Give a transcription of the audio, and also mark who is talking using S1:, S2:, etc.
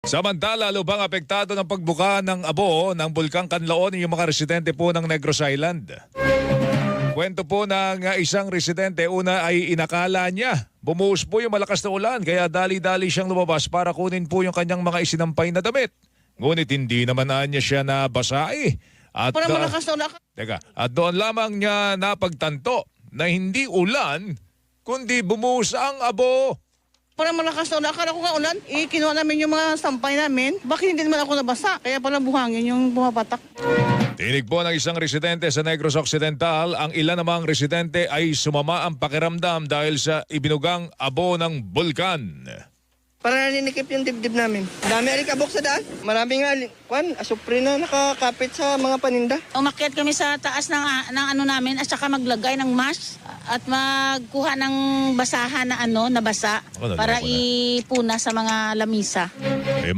S1: Samantala, lubhang apektado ng pagbuka ng abo ng Bulkang Kanlaon yung mga residente po ng Negros Island. Kwento po ng isang residente, una ay inakala niya bumuhos po yung malakas na ulan kaya dali-dali siyang lumabas para kunin po yung kanyang mga isinampay na damit. Ngunit hindi naman niya siya nabasa eh. At,
S2: Para malakas na ulan.
S1: at doon lamang niya napagtanto na hindi ulan kundi bumuhos ang abo.
S2: Para malakas na ulan. Akala ko nga ulan. Kinuha namin yung mga sampay namin. Bakit hindi naman ako nabasa? Kaya pala buhangin yung bumapatak.
S1: Tinig po ng isang residente sa Negros Occidental, ang ilan namang residente ay sumama ang pakiramdam dahil sa ibinugang abo ng bulkan.
S3: Para naninikip yung dibdib namin. Dami alikabok sa daan. Maraming asupre na nakakapit sa mga paninda.
S4: Umakyat kami sa taas ng ano namin at saka maglagay ng mask at magkuha ng basahan na na basa
S1: Nalagay
S4: para
S1: ko na.
S4: ipuna sa mga lamisa.